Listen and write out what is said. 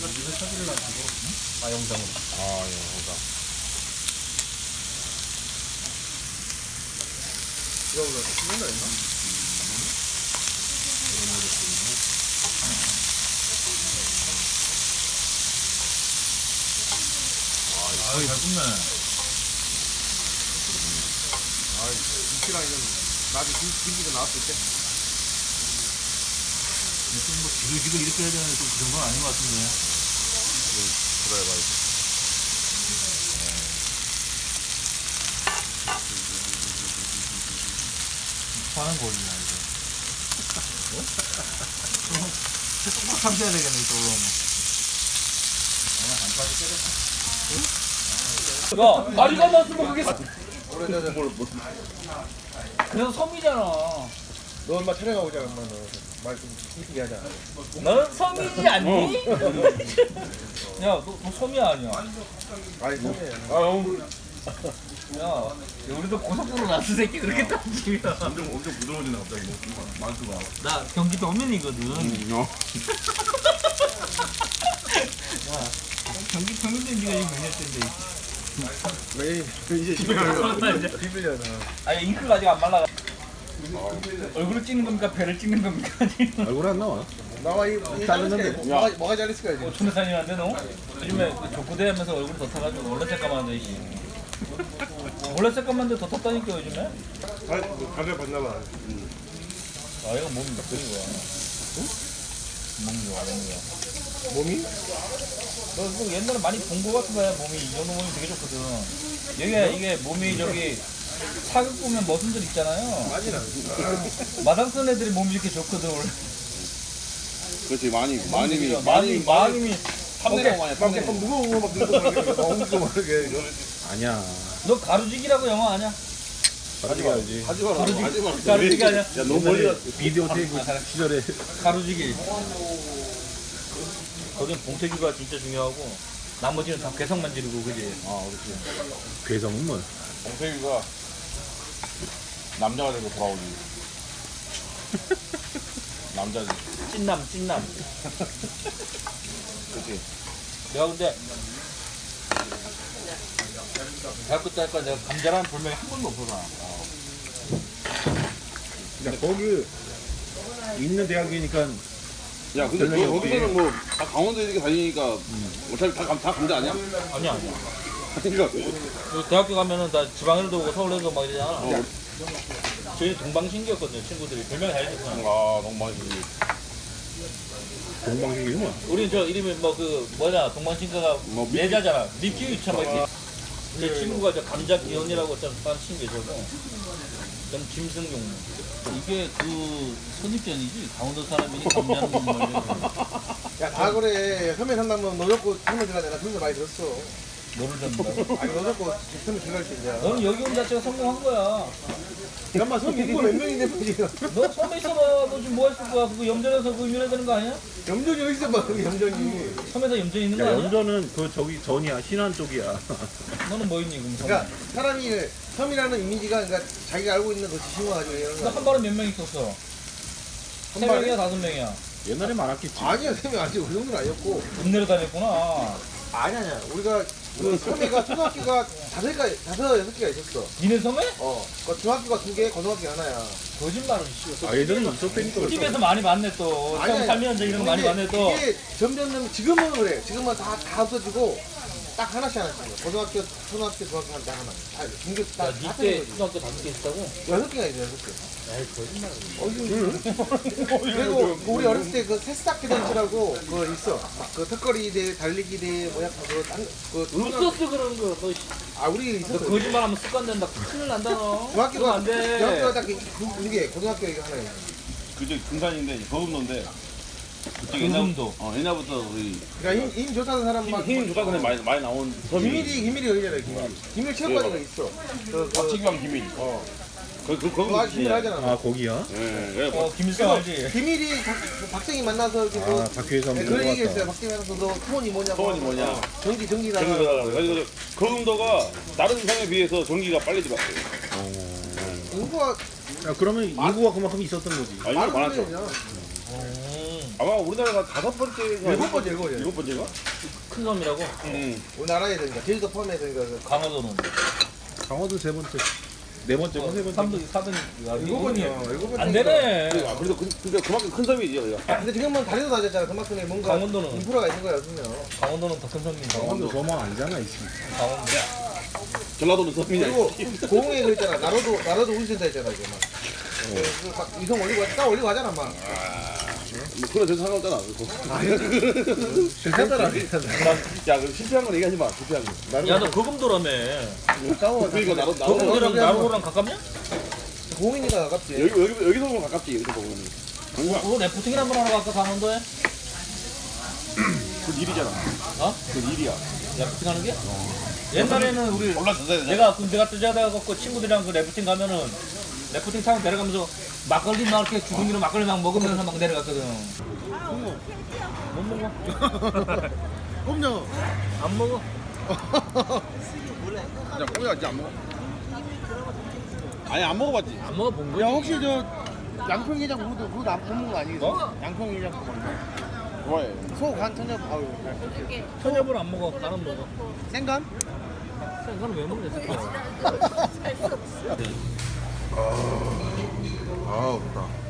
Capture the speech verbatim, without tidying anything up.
우리는 사진을 안 찍어. 응? 아 영상으로. 아, 예, 영상. 이거 올라 찍는다 했나? 아, 잘 굽네. 아, 김치랑 이건 나중에 김치가 나왔을 때. 좀뭐 지글지글 이렇게 해야 되는데 좀 그 정도는 아닌 것 같은데. 그래, 봐야지. 화는 거리냐 이거. 좀 참셔야 되겠네 또 그러면. 야, 다리가 났으면 그게 오래전에 뭘, 뭐, 그래서 섬이잖아. 너 엄마 촬영하고 오자, 엄마. 말좀 이쁘게 하자. 너는 섬이지 않니? 야, 너, 너 섬이 아니야. 아니, 선배. 아, 형. 야, 우리도 고속도로 나스 새끼 그렇게 따지면. 엄청, 엄청 부드러워지네, 갑자기. 뭐, 만수가. 나 경기 도민이거든. 음, 어. 야, 경기 도민인데 네가 지금 몇 년째인데. 왜 이제 십일 년. 십일 년. 아니 잉크가 아직 안 말라. 얼굴을 찍는 겁니까? 배를 찍는 겁니까? 얼굴 안 나와. 나와, 이, 이 자르는데. 뭐가, 뭐가 잘렸을까, 이제. 촌에 다니는데 너? 요즘에 족구대 하면서 얼굴 더 타가지고 원래 새까만데 이씨. 원래 새까만데 더 탔다니까 요즘에? 가게 봤나봐. 아 이거 몸이 몇 개인 거야? 응? 몸이 좋아 몸이야. 몸이? 너 이거 옛날에 많이 본 거 같은 거야 몸이. 이 정도 몸이 되게 좋거든. 여기가 이게 몸이 저기 사극 보면 머슴들 있잖아요. 아니라. 마당 쓴 애들이 몸이 이렇게 좋거든 원래. 그렇지, 많이, 많이, 많이 많이 탐내고 많이, 막 탐내고. 약간 무거운 거막 들고 막 엉키고 막 이렇게. 이거. 아니야. 너 가루지기라고 영화 아냐? 하지 말지. 하지 마라. 가루지기. 하지 마라. 가루지기 아니야? 야, 너무 멀리 가. 비디오 테이프 시절에. 가루지기. 거긴 봉태규가 진짜 중요하고 나머지는 다 개성만 지르고 그지? 아, 그렇지. 괴성은 뭐? 봉태규가 남자가 되고 돌아오지. 남자지. 찐남 찐남. 그치? 내가 근데 대학교 때 할까 내가 감자라는 별명이 한 번도 없어서. 야, 거기 있는 대학이니까 야, 근데 별명이 너 없지. 거기서는 뭐, 다 강원도 이렇게 다니니까, 어차피 다, 감- 다 감자 아니야? 아니야 아니야. 그러니까, 그 대학교 가면은 나 지방에도 오고 서울에도 오고 막 이러잖아. 어, 저희 동방신기였거든요 친구들이. 별명이 다 있었잖아. 아, 너무 많이 주지. 동방신기는 뭐? 우린 저 이름이 뭐 그 뭐냐 동방신기가 뭐 미- 내자잖아. 미키 유치원 막 이렇게. 제 친구가 저 감자 기현이라고 좀 다른 친구 계셔서 전 김승용. 이게 그 선입견이지 강원도 사람이니 감자는 정말. 야, 다 그래. 섬에 산다면 너 잡고 섬에 들어가야 나 그런 거 많이 들었어. 너를 잡는다고? 아니, 너 잡고 섬에 들어갈 수 있냐. 너는 여기 온 자체가 성공한 거야. 엄마 섬 인구 몇 명인데, 뭐 지금. 너 섬에 있어봐. 너 지금 뭐 했을 거야? 그거 염전에서 그거 유명해야 되는 거 아니야? 염전이 어디 있어, 막, 그 염전이. 섬에서 염전 있는 거 야, 아니야? 연전은 그 저기 전이야. 신안 쪽이야. 너는 뭐 있니 그럼 섬에? 그러니까 사람이 섬이라는 이미지가 그러니까 자기가 알고 있는 그 지식만 가지고 이러는 너 거야. 한 발에 몇 명 있었어? 세 한 발에? 명이야 다섯 명이야? 옛날에 많았겠지. 아니야, 쌤이 아직 그 정도는 아니었고. 돈 내려 다녔구나. 아니, 아니야. 우리가 그 섬에가 초등학교가 다섯 개, 다섯, 여섯 개가 있었어. 니네 섬에? 어. 그 중학교가 두 개, 고등학교 하나야. 거짓말을 씨. 아, 예전에 있었다니까. 집에서 많이 봤네 또. 아니, 처음 아니. 살면 이런 거 많이 근데 봤네 또. 이게 점점 지금은 그래. 지금은 다, 다 없어지고 딱 하나씩 하나씩. 고등학교, 초등학교, 중학교 한 딱 하나. 다 중교 다 야, 다 니때 틀린 거지. 초등학교 다섯 개 있다고? 여섯 개가 있어, 여섯 개. 에이 거짓말. 그리고 우리 어렸을 때 그 새싹 대잔치라고 그거 있어. 그 턱걸이 대, 달리기 대, 뭐 약간 그거 딴, 그 없었어 그런 거. 너, 씨. 아, 우리 너 있었어. 거짓말하면 습관 된다. 큰일 난다 너. 중학교가 그러면 안 돼. 중학교가 딱 두 개, 고등학교 이거 하나 있어. 그저 금산인데, 거금도인데, 그쪽 옛날, 거금도. 어, 옛날부터 우리, 그러니까 힘, 힘 좋다는 사람만 힘, 힘 좋다 근데 많이, 많이 나온 섬이, 기밀이 기밀이 여기잖아요. 기밀. 기밀 체육관이가 있어. 그, 그, 박치기왕 기밀. 어. 그, 그, 그거 거기 아주 기밀 하잖아. 아, 거기야? 예, 그래. 어 김일성 알지? 기밀이 박, 박정희 만나서 이렇게 뭐 아, 박효선 네, 그런 얘기 했어요. 박정희 만나서 너 소원이 뭐냐고. 소원이 뭐냐. 어, 전기 전기다가. 전기가, 그래서 거금도가 다른 섬에 비해서 전기가 빨리 들어왔어요. 인구가 야, 그러면 인구가 그만큼 있었던 거지. 아, 이거 많았죠. 그냥. 음. 아마 우리나라가 다섯 번째가 일곱 번째, 일곱 번째. 일곱 번째가? 큰 섬이라고? 응. 우리나라에 되니까 제주도 포함해서 그러니까 강화도는 강화도 세 번째. 네 번째고 세 번째. 삼등, 사등, 일곱 번이요. 일곱 번. 안 되네. 아, 그래도 그, 그러니까 그만큼 큰 섬이지 여기가. 근데 지금은 다리도 낮았잖아. 그만큼의 뭔가 강원도는? 인프라가 있는 거야, 그러면. 강원도는 더 큰 섬인 강원도 강원도. 저만 아니잖아 이씨. 강원도. 전라도는 섬이냐. 그리고 고흥에 그 있잖아. 나로도 나로도 운센터 있잖아, 이제 막. 그, 막 이성 올리고 딱 올리고 하잖아, 막. 뭐 그런 데서 상관없잖아. 그거. 실패더라. 야, 그 실패한 건 얘기하지 마. 실패한 거. 야, 너 거금도라며. 싸워. 그러니까 나로 나로 거금도랑 나로랑 가깝냐? 고흥이니까 가깝지. 여기 여기 여기서 보면 가깝지. 여기서 보면. 그거 래프팅 한번 하러 갈까 강원도에? 그 일이잖아. 어? 그 일이야. 래프팅 하는 게? 옛날에는 우리 올라서야 내가 군대 갔다 자다 갖고 친구들이랑 그 래프팅 가면은 래프팅 타고 내려가면서 막걸리 막 이렇게 주둥이로 막걸리 막 먹으면서 막 내려갔거든. 못 먹어. 꼼장. 안 먹어. 야, 꼬야 진짜 안 먹어. 아니 안 먹어봤지. 안 먹어 본 거지. 야, 혹시 저 양평게장 그것도 그거 안 먹는 거 아니겠어? 뭐? 양평게장 그거. 좋아해. 소간 천엽 아유. 천엽을 안 먹어. 나는 먹어. 생간? 그건 왜 먹냐 새끼야. 아, 좋다.